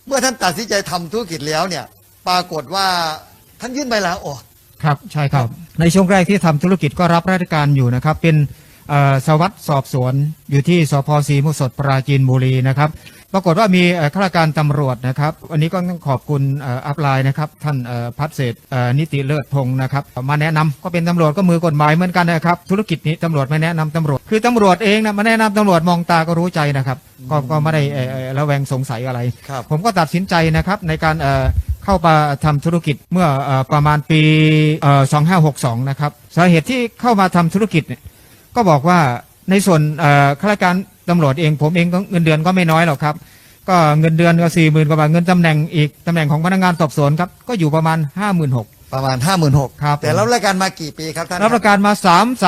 เมื่อท่านตัดสินใจทำธุรกิจแล้วเนี่ยปรากฏว่าท่านยื่นใบลาออกครับใช่ครับในช่วงแรกที่ทำธุรกิจก็รับราชการอยู่นะครับเป็นสารวัตรสอบสวนอยู่ที่สพศรีมุสดปราจีนบุรีนะครับปรากฏว่ามีข้าราชการตำรวจนะครับวันนี้ก็ต้องขอบคุณอัพไลน์นะครับท่านพัฒเศรษฐ์นิติเลิศพงศ์นะครับมาแนะนำก็เป็นตำรวจก็มือกฎหมายเหมือนกันนะครับธุรกิจนี้ตำรวจไม่แนะนำตำรวจคือตำรวจเองนะมาแนะนำตำรวจมองตาก็รู้ใจนะครับก็ไม่ได้ระแวงสงสัยอะไรผมก็ตัดสินใจนะครับในการเข้ามาทำธุรกิจเมื่อประมาณปี2562นะครับสาเหตุที่เข้ามาทำธุรกิจเนี่ยก็บอกว่าในส่วนข้าราชการตำรวจเองผมเองก็เงินเดือนก็ไม่น้อยหรอกครับก็เงินเดือนก็40,000 กว่าบาทเงินตำแหน่งอีกตำแหน่งของพนักงานสอบสวนครับก็อยู่ประมาณ 56,000 ประมาณ 56,000 ครับแต่รับราชการมากี่ปีครับท่านรับราชการมา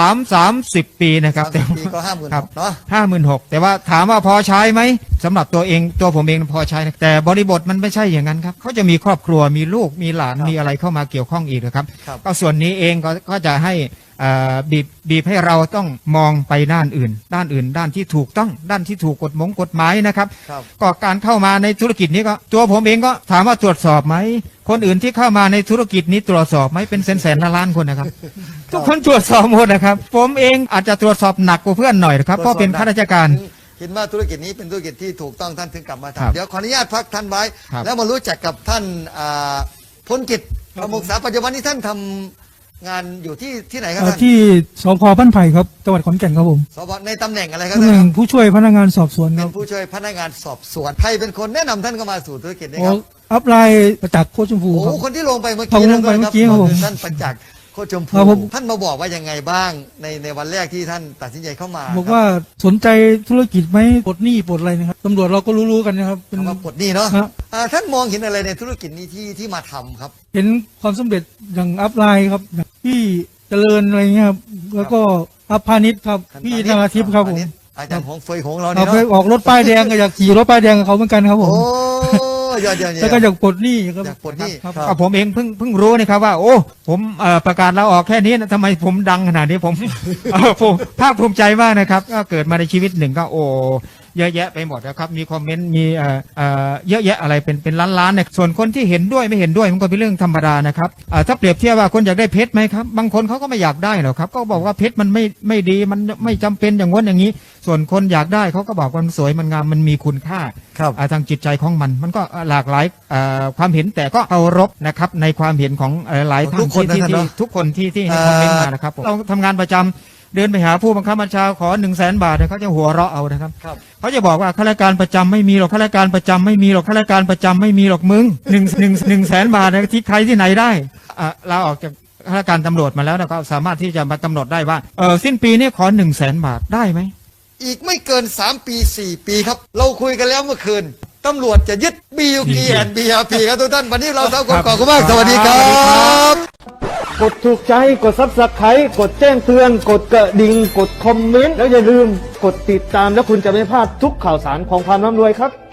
30 ปีนะครับแต่ปีก็ 56,000 เนาะ 56,000แต่ว่าถามว่าพอใช้ไหมสำหรับตัวผมเองพอใช้แต่บริบทมันไม่ใช่อย่างนั้นครับเขาจะมีครอบครัวมีลูกมีหลานมีอะไรเข้ามาเกี่ยวข้องอีกนะครับก็ส่วนนี้เองก็จะให้บีบให้เราต้องมองไปด้านอื่นด้านที่ถูกต้องด้านที่ถูกกฎหมายนะครับก็การเข้ามาในธุรกิจนี้ก็ตัวผมเองก็ถามว่าตรวจสอบไหมคนอื่นที่เข้ามาในธุรกิจนี้ตรวจสอบไหมเป็นแสนล้านคนนะครับทุกคนตรวจสอบหมดนะครับผมเองอาจจะตรวจสอบหนักกว่าเพื่อนหน่อยนะครับเพราะเป็นข้าราชการเห็นว่าธุรกิจนี้เป็นธุรกิจที่ถูกต้องท่านถึงกลับมาทำเดี๋ยวขออนุญาตพักท่านไว้แล้วมารู้จักกับท่านพลกิจประมุขษาปัจจุบันนี้ท่านทำงานอยู่ที่ไหนครับท่านที่สพบ้านไผ่ครับจังหวัดขอนแก่นครับผมสพในตำแหน่งอะไรครับตำแหน่งผู้ช่วยพนักงานสอบสวนครับเป็นผู้ช่วยพนักงานสอบสวนใครเป็นคนแนะนำท่านเข้ามาสู่ธุรกิจนี้ครับอัพไลน์ประจักษ์โคชมพูครับคนที่ลงไปเมื่อกี้ครับท่านประจักษ์โคชมพูท่านมาบอกว่ายังไงบ้างในวันแรกที่ท่านตัดสินใจเข้ามาบอกว่าสนใจธุรกิจไหมปลดหนี้ปลดอะไรนะครับตำรวจเราก็รู้กันนะครับเป็นว่าปลดหนี้เนาะท่านมองเห็นอะไรในธุรกิจนี้ที่มาทำครับเห็นความสำเร็จอย่างอัพไลน์ครับที่เจริญอะไรเงี้ยครับแล้วก็อัพพาณิชย์ครับพี่นาราทิพย์ครับผมอาจารย์ของเฟยของเราเนี่ยเนาะออกรถป้ายแดงก็อยากขี่รถป้ายแดงกับเขาเหมือนกันครับผมแล้วก็อยากปลดหนี้ครับอยากปลดหนี้ครับผมเองเพิ่งรู้นะครับว่าโอ้ผมประกาศลาออกแค่นี้นะทำไมผมดังขนาดนี้ผมภาคภูมิใจมากนะครับก็เกิดมาในชีวิตหนึ่งก็โอ้เยอะแยะไปหมดนะครับมีคอมเมนต์มีเยอะแยะอะไรเป็นล้านเนี่ยส่วนคนที่เห็นด้วยไม่เห็นด้วยมันก็เป็นเรื่องธรรมดานะครับถ้าเปรียบเทียบว่าคนอยากได้เพชรไหมครับบางคนเขาก็ไม่อยากได้หรอกครับก็บอกว่าเพชรมันไม่ดีมันไม่จำเป็นอย่างง้นอย่างนี้ส่วนคนอยากได้เขาก็บอกว่ามันสวยมันงามมันมีคุณค่าทางจิตใจของมันก็หลากหลายความเห็นแต่ก็เคารพนะครับในความเห็นของหลายท่านที่ทุกคนที่ให้คอมเมนต์มานะครับเราทำงานประจำเดินไปหาผู้บังคับบัญชาขอ100,000 บาทเขาจะหัวเราะเอานะครับเขาจะบอกว่าข้าราชการประจำไม่มีหรอกข้าราชการประจำไม่มีหรอกข้าราชการประจำไม่มีหรอกมึง100,000 บาทที่ใครที่ไหนได้ลาออกจากข้าราชการตำรวจมาแล้วก็สามารถที่จะมากำหนดได้ว่าสิ้นปีนี้ขอ100,000 บาทได้ไหมอีกไม่เกิน3 ปี 4 ปีครับเราคุยกันแล้วเมื่อคืนตำรวจจะยึด BUK and BRP ครับทุกท่านวันนี้เราทั้งคนขอบคุณมากสวัสดีครับกดถูกใจกดซับสไครต์กดแจ้งเตือนกดกระดิ่งกดคอมเมนต์แล้วอย่าลืมกดติดตามแล้วคุณจะไม่พลาดทุกข่าวสารของความร่ำรวยครับ